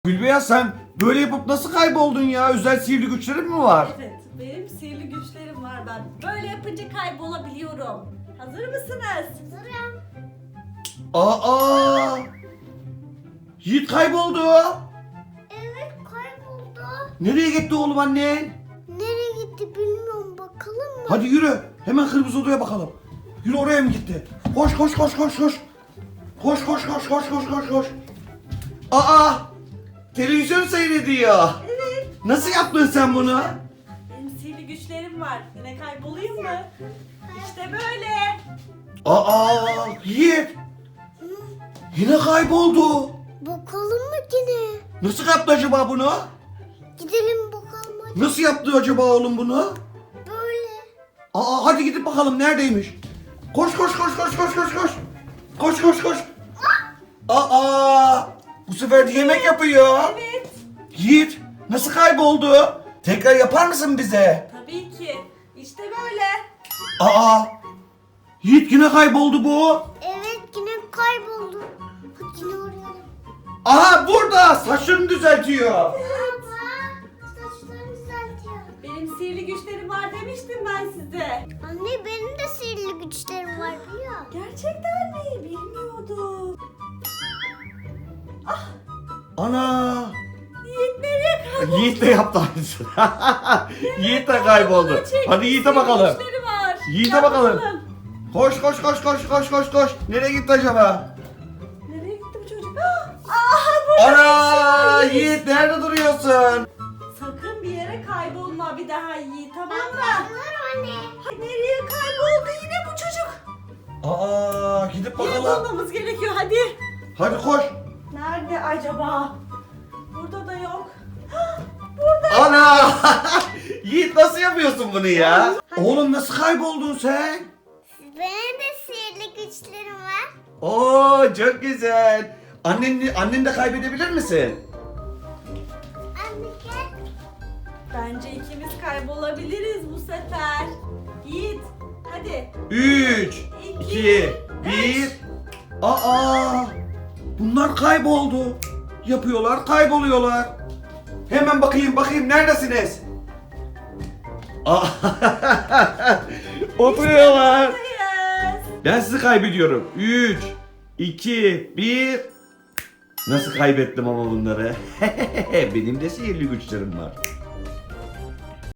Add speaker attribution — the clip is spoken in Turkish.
Speaker 1: Gülbeyaz, sen böyle yapıp nasıl kayboldun ya? Özel sihirli güçlerin mi var?
Speaker 2: Evet, benim sihirli güçlerim var ben. Böyle yapınca kaybolabiliyorum. Hazır mısınız? Hazırım.
Speaker 1: Aa! Yiğit kayboldu.
Speaker 3: Evet, kayboldu.
Speaker 1: Nereye gitti oğlum annen?
Speaker 3: Nereye gitti bilmiyorum, bakalım mı?
Speaker 1: Hadi yürü. Hemen kırmızı odaya bakalım. Yürü, oraya mı gitti? Koş koş koş koş koş. Koş koş koş koş koş koş koş. Aa! Televizyon seyrediyor.
Speaker 2: Evet.
Speaker 1: Nasıl yaptın sen bunu?
Speaker 2: Benim sihirli güçlerim var. Yine kaybolayım mı? İşte böyle.
Speaker 1: Aa! Yiğit. Yine kayboldu.
Speaker 3: Bakalım mı yine?
Speaker 1: Nasıl yaptı acaba bunu?
Speaker 3: Gidelim bakalım hadi.
Speaker 1: Nasıl yaptı acaba oğlum bunu?
Speaker 3: Böyle.
Speaker 1: Aa, hadi gidip bakalım neredeymiş. Koş koş koş koş koş koş koş. Koş koş koş. Aa! Bu sefer de yemek yapıyor.
Speaker 2: Evet.
Speaker 1: Yiğit, nasıl kayboldu? Tekrar yapar mısın bize?
Speaker 2: Tabii ki. İşte böyle.
Speaker 1: Aa! Yiğit, yine kayboldu bu.
Speaker 3: Evet, yine kayboldu. Hadi yine arayalım.
Speaker 1: Aha, burada saçlarını düzeltiyor.
Speaker 3: Baba, saçlarını düzeltiyor.
Speaker 2: Benim sihirli güçlerim var demiştim ben size.
Speaker 3: Anne, benim de sihirli güçlerim var biliyor.
Speaker 2: Gerçekten mi? Bilmiyordum.
Speaker 1: Ana!
Speaker 2: Yiğit nereye kayboldu?
Speaker 1: Yiğit de yaptı aynısını. Yiğit de kayboldu.
Speaker 2: Çekti,
Speaker 1: Hadi Yiğit'e
Speaker 2: sihirli
Speaker 1: bakalım.
Speaker 2: güçleri var.
Speaker 1: Yiğit'e
Speaker 2: Gel
Speaker 1: bakalım. Koş koş koş koş koş koş koş. Nereye gitti acaba?
Speaker 2: Nereye gitti bu çocuk? Burada
Speaker 1: Ana!
Speaker 2: bir şey.
Speaker 1: Yiğit, nerede duruyorsun?
Speaker 2: Sakın bir yere kaybolma bir daha Yiğit, tamam mı?
Speaker 3: Anne.
Speaker 2: Nereye kayboldu yine bu çocuk?
Speaker 1: Aa, gidip
Speaker 2: Yine
Speaker 1: bakalım.
Speaker 2: bulmamız gerekiyor hadi.
Speaker 1: Hadi koş.
Speaker 2: Nerede acaba? Burada da yok. Burada.
Speaker 1: Ana! Yiğit, nasıl yapıyorsun bunu ya? Oğlum, nasıl kayboldun sen?
Speaker 3: Benim de sihirli güçlerim var.
Speaker 1: Oo, çok güzel. Annen de kaybedebilir misin?
Speaker 3: Anne gel.
Speaker 2: Bence ikimiz kaybolabiliriz bu sefer. Yiğit hadi.
Speaker 1: 3, 2, 1. Aa! Bunlar kayboldu. Yapıyorlar, kayboluyorlar. Hemen bakayım neredesiniz? Aa! Oturuyorlar.
Speaker 2: Buradayız.
Speaker 1: Ben sizi kaybediyorum. 3, 2, 1. Nasıl kaybettim ama bunları? Benim de sihirli güçlerim var.